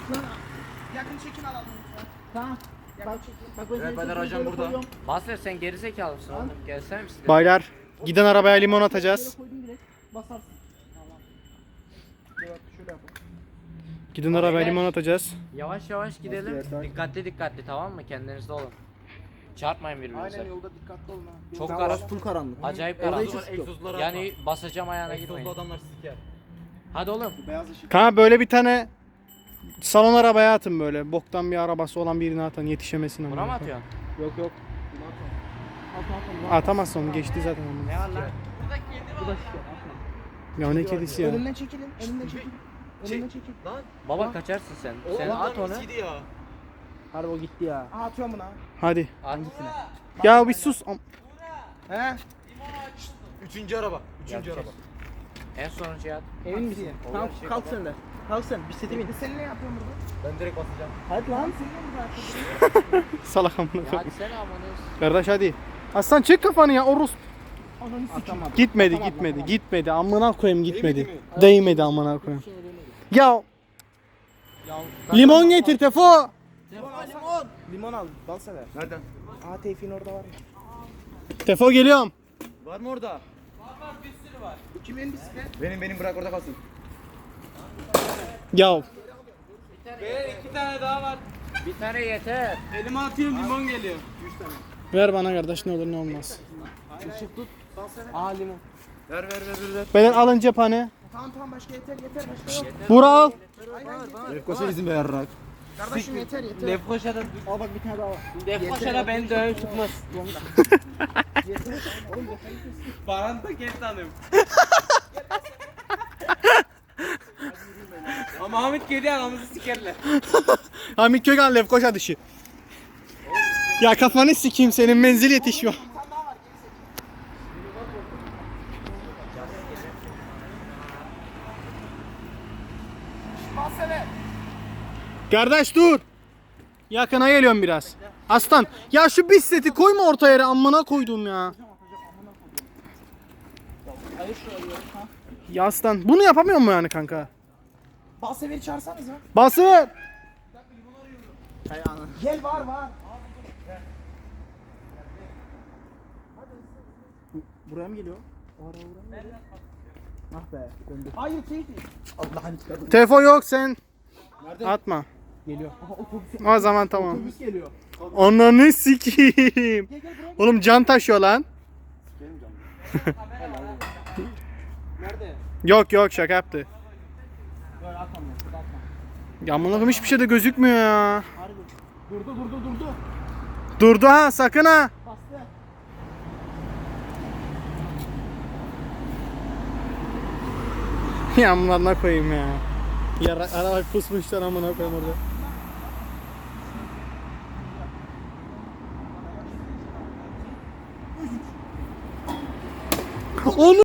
Yakın çekim alalım lütfen. Tamam. Bak Ben de Racan burada. Master sen geri mısın oğlum? Gelsene misin? Baylar giden arabaya limon atacağız. Basarsın. Şöyle yapalım. Giden arabaya limon atacağız. Yavaş yavaş gidelim. Dikkatli tamam mı? Kendinizde olun. Çarpmayın Aynen birbirinize. yolda dikkatli olun ha. Çok Full karanlık. karanlık. Acayip Orada karanlık. hiç egzozlara Yani basacağım ayağına Egzozlu girmeyin. adamlar siker. Hadi oğlum. Beyaz ışık. Kanka böyle bir tane salon arabaya atın böyle. Boktan bir arabası olan birine atın yetişemesin Buna mı ama. atıyorsun? Yok. Atamazsın onu geçti zaten onu. Ne var lan? Ya ne kedisi ya. Önümden çekilin. Önümden çekilin. Önümden çekil. Lan. Baba kaçarsın sen. Sen at onu. Ya. Harbi o gitti ya. Aha atıyorum buna. Hadi. Hangisine? Ya bir sus. He? Üçüncü araba. Üçüncü araba. En sonuncuya at. Emin misin? Tamam şey kalk sen de. Kalk sen. Bisiklete bin. Sen ne yapıyorsun burada? Ben direkt basacağım. Hadi lan. Salak amına Ya koyayım. hadi sen amanız. Kardeş hadi. Aslan çek kafanı ya Orus. Atamadım. Gitmedi. Amına koyayım gitmedi. Değmedi amına koyayım. Ya limon getir Tefo. Limon al. Bal sever. Nereden? Aha Tevfik'in orada var. Tefo geliyorum. Var mı orada? Kimin bisiklet? Benim bırak orada kalsın. Ya Bir tane yeter. Elime atıyorum limon geliyor. ver bana kardeş ne olur ne olmaz. Aa limon. Ver. Beden alın cephane. Tamam başka yeter başka yok. Bura al. Lefkoşa izin ver rak. Kardeşim yeter. Lefkoşa'da Al bak bir tane daha var. Lefkoşa'da beni dövüp tutmaz. Baran da kes hanım. Ama Hamit geliyor anamızı sikerler. Hamit Kögan Lefkoşa dışı. Ya kafanı sikeyim senin menzil yetişiyor. Bal sever. Kardeş dur. Yakına geliyorum biraz. Aslan ya şu bisikleti koyma orta yere amına koydum ya. Ya aslan bunu yapamıyor mu yani kanka? Bal severi çağırsanız ha. Basır. Gel var. Buraya mı geliyor? O ara buraya mı geliyor? Ah be döndü. Hayır Tevfik. Allah'ın çıkardı. Tefo yok sen. Atma. Geliyor. Aha otobüs. O zaman tamam. Otobüs geliyor. Ananı sikeyim. Oğlum can taşıyor lan. Nerede? Yok şaka yaptı. Böyle atamam. Atma. Ya amına koyayım hiçbir şey de gözükmüyor ya. Harbi. Durdu. Durdu ha sakın ha. Bastı. Ya amına koyayım ya. Ya araba kusmuşlar amına koyayım orada. Onu